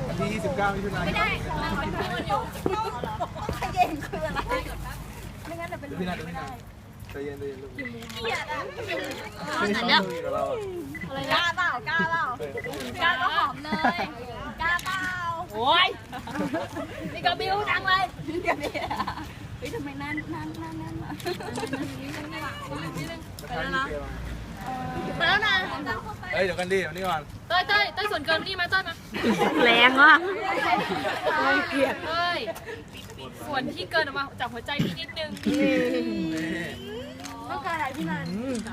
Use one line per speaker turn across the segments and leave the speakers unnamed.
ที่29มิถุนายนไม่ได้
มันพูดอยู่ขย็นคืออะไรไม่งั้นจะเป็น
พี่นัทพี่นัทใจเย็นใจเย็นลูก
เกียดอ่ะ
อะไร
กล้าเปล่ากล้าเปล่ากล้าก็หอมเลยกล้าเปล่าโอ้ยนี่ก็บิ้วจังเลยนี่เฮ้ยทำไมนั่นมาไปแล้วนะไปแล้วนะ
เฮ้ยเดี๋ยวกันดิเดี๋ยวนี้ก่อน
เต้ยส่วนเกินนี่มาเต้ยมา
แรงอ่ะ
เกลียดเต้ยส่วนที่เกินออกมาจากหัวใจพี่นิดนึง
ต้องการอะไรพี่นัน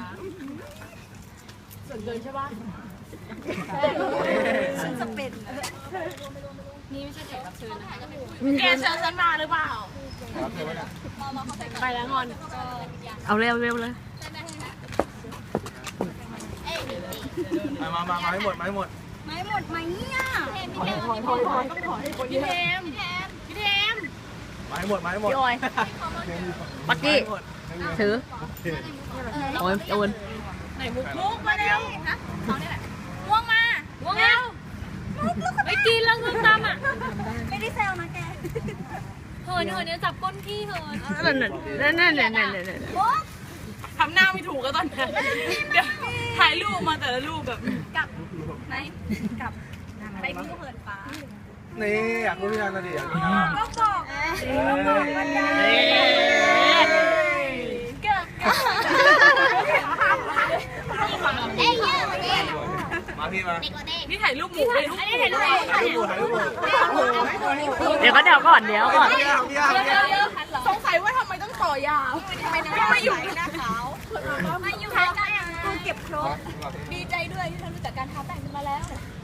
ส่วนเกินใช่ปะฉันจะเป็น
นี่ไม่ใช่แขกรับเชิญนะคะ
แกเชิญฉันมาหรือเปล่า
ไปแล้วงอน
เอาเร็วเลย
มาให้หมด
ไหมเนี่ยพี่เทม
มาให้หมด
พี่ออยปักกี้ถือโอน
ไหนมุก
มาเร็วฮะเขาเนี่ยแหละม่วงมา
ไปกินแล้วเงินตามอ่ะ
ไม่ได้แซวนะแก
เหินเนี่ยจับก้นพี่เหิน
นั่น
ทำหน้าไม่ถูกก็ตอนนั้นเดี๋ยวถ่ายรูปมาแต่ละรูปแบบ
กับไหนกับไปพี่ก็เหินฟ้า
นี่อยากรู้พี่นันนะดิอยากรู้
ก็บอกมันได้
มาพี่มา
นี่ถ่ายรูปหมู
เดี๋ยวก่อน
สงสัยว่าทำไมต้องต่อยาวทำไมไม่อยู่หน้าขาวมาอยู่ท้ายกันกูเก็บครบดีใจด้วยที่เรารู้จักการทาแต่งกันมาแล้ว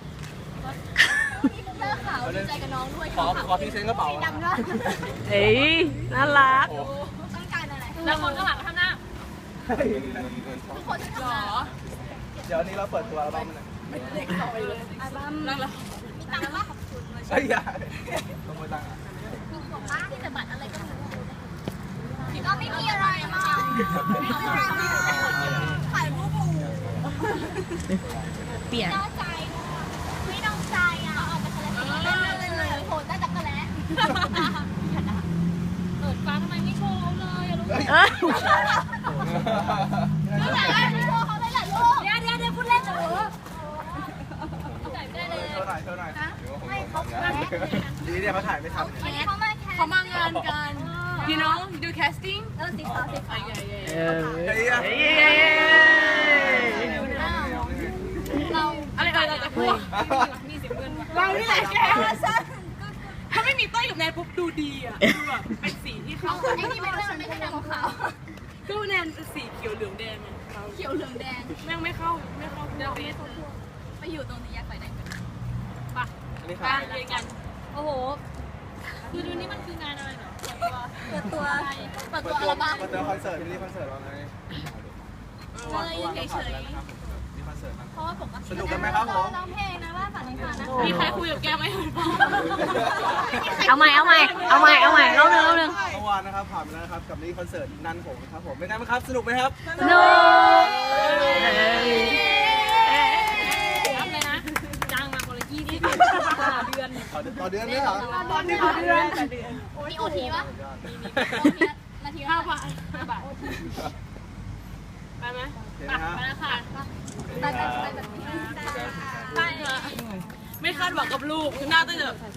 เลิกขาวดีใจกับน้องด้วย
ขอพี่เซ็นกระเป๋า
ดำด้วย
เฮ้ยน่ารัก
ต้องการอะไร
แล้วคนข้างหลังทำหน้า
ทุกคนจะทำหรอ
เดี๋ยวนี้เราเปิดตัวอัลบั้มเลย
เด็กต่อยเลยอัลบั้มนั่งแล้วมีตังค์ว่าขอบคุณเลย
ใช่ยาต้องไปตังค์
ป้าที่จะบัตรอะไรก็ไม่รู้ก็ไม่มีอะไรมากถ่ายรูปหมู่
เปลี่ยน
ใจไม่ต้องใจอ่ะเอาไปทะเลเลยโหดได้จักรแล้
เปิดฟ้าทำไมไม่โชว์เขาเลยอะลูก
โชว์เขาได้หลายลูกเดี๋ยวพูดเล่นเหรอ
ถ่ายไม่เขาดีเนี่ยเขาถ่ายไม่ทัน
เขามางานกัน you know do casting
สีขาวเรา
อะไรเราจะพูดมีเสียงเงิน
เรานี่แหละแก
ถ้าไม่มีต้อยกับแนนปุ๊บดูดีอ่ะดูแบบเป็นสีที่เขา
ไอ้นี่ไม่ใช่ดำขาว
ก็แนนสีเขียวเหลืองแดง
เขียวเหลืองแดง
แม่งไม่เข้าเดี๋ยว
ไปอยู่ตรงนี้อยากไปไหนกัน
ปะการเรียนกันโอ้โหคือดูนี่มันคืองานอะไรเนาะ
เปิดตัวอัลบั้ม
เปิดตัวคอนเสิร์ตมีคอนเสิร์ตเราไง
เลยเฉยเพราะว่าผม
สนุกกันไหมครับผม
ร้องเพลงนะว่าฝันนิพานนะ
มีใครคุยกับแกไหม
เอาใหม่เล่าเรื่อง
เมื่อวานนะครับผ่านไปแล้วนะครับกับนี่คอนเสิร์ตนันผมครับผมเป็นไงบ้างครับสนุกไหมครับ
สนุก
รับเลยนะจ้างมาคนละ20 เดือน
ต่อเดือนไหมครับ
ต่อเดือน
มีโอทีปะนาที
5 บาทไปไหมไปแล้วค่ะ
ไปแบบนี้
ไม่คาดหวังกับลูกคือหน้าต้องจะ